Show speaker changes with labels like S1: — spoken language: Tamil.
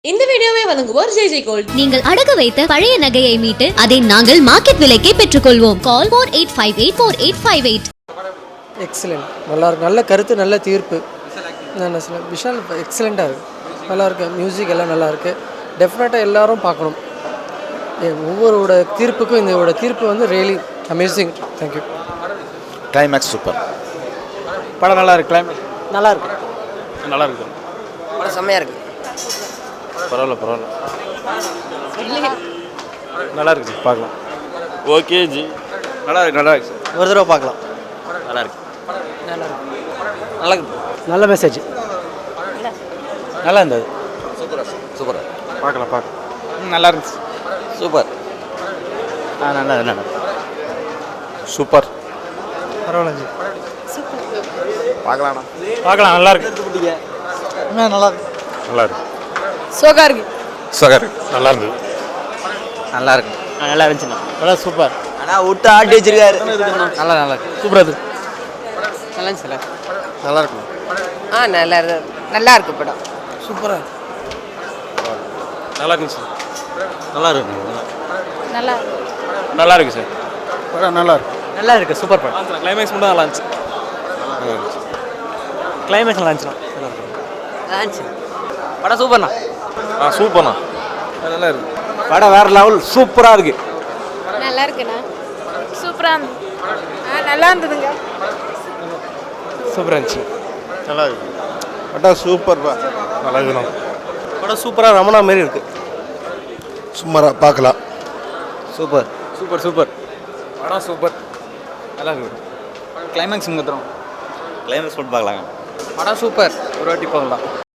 S1: இந்த வீடியோவை வழங்குவோர் ஜெய் ஜெய் கோல்ட்.
S2: நீங்கள் அடகு வைத்த பழைய நகையை மீட்டு அதை நாங்கள் மார்க்கெட் விலைக்கே பெற்றுக்கொள்வோம். கால் 48584858.
S3: எக்ஸலண்ட், நல்லா இருக்கு. நல்ல கருத்து, நல்ல தீர்ப்பு. நான் சொல்ல விஷால் எக்ஸலண்ட்டாக இருக்குது, நல்லா இருக்கு. மியூசிக் எல்லாம் நல்லா இருக்குது. டெஃபினட்டாக எல்லாரும் பார்க்கணும். ஒவ்வொருவோட தீர்ப்புக்கும் இதோட தீர்ப்பு வந்து really amazing. Thank you.
S4: Climax super.
S5: படம் நல்லா இருக்கு. கிளைமேக்ஸ்
S3: நல்லா இருக்கு,
S5: நல்லா இருக்கு.
S3: படம் செம்மையாக இருக்குது.
S5: பரவாயில்ல நல்லா இருக்கு சார், பார்க்கலாம். ஓகே ஜி, நல்லா இருக்கு சார்.
S3: ஒரு தடவை பார்க்கலாம்.
S5: நல்லா இருக்கு.
S3: நல்லா இருக்கு. நல்ல மெசேஜ்.
S5: நல்லா இருந்தது.
S4: சூப்பர்.
S5: பார்க்கலாம். நல்லா இருந்துச்சு.
S4: சூப்பர்.
S5: நல்லா சூப்பர்.
S3: பரவாயில்ல ஜி.
S5: பார்க்கலாம். நல்லா இருக்கு.
S3: நல்லா இருக்கு.
S5: நல்லா இருக்கு.
S3: சோகா இருக்கு.
S5: நல்லா இருந்தது.
S4: நல்லா இருக்கு.
S5: நல்லா இருந்துச்சுண்ணா. நல்லா சூப்பர்.
S4: ஆனால் விட்டு ஆட்டி வச்சிருக்காரு.
S3: நல்லா இருக்கு.
S5: சூப்பராக இருக்கு.
S3: நல்லா இருந்துச்சு.
S5: நல்லா இருக்கு.
S3: நல்லா இருக்கு படம். சூப்பராக இருக்கு.
S5: நல்லா இருக்குங்க சார். நல்லா இருக்கு.
S3: நல்லா
S5: நல்லா இருக்கு சார். படம் நல்லா இருக்கு.
S3: நல்லா இருக்கு. சூப்பர் படம்.
S5: கிளைமேக்ஸ் மட்டும் நல்லா இருந்துச்சு. கிளைமேக்ஸ் நல்லா இருந்துச்சுண்ணா.
S3: நல்லா இருந்துச்சு. படம் சூப்பர்ண்ணா.
S5: சூப்பர்ண்ணா. நல்லா இருக்கு.
S3: படம் வேற லெவல், சூப்பராக இருக்கு.
S6: நல்லா இருக்குண்ணா. சூப்பராக இருந்தது. நல்லா இருந்ததுங்க.
S3: சூப்பராக இருந்துச்சு.
S5: நல்லா இருக்கு. படம் சூப்பர்ப்பா. நல்லா இருக்குண்ணா.
S3: படம் சூப்பராக ரமணா மாரி இருக்கு.
S4: சும்மாரா பார்க்கலாம்.
S3: சூப்பர்.
S5: படம் சூப்பர். நல்லா இருக்கு.
S3: கிளைமேக்ஸ் முகத்துறோம்.
S5: கிளைமேக்ஸ் மட்டும் பார்க்கலாங்க.
S3: படம் சூப்பர். ஒரு வாட்டி போகலாம்.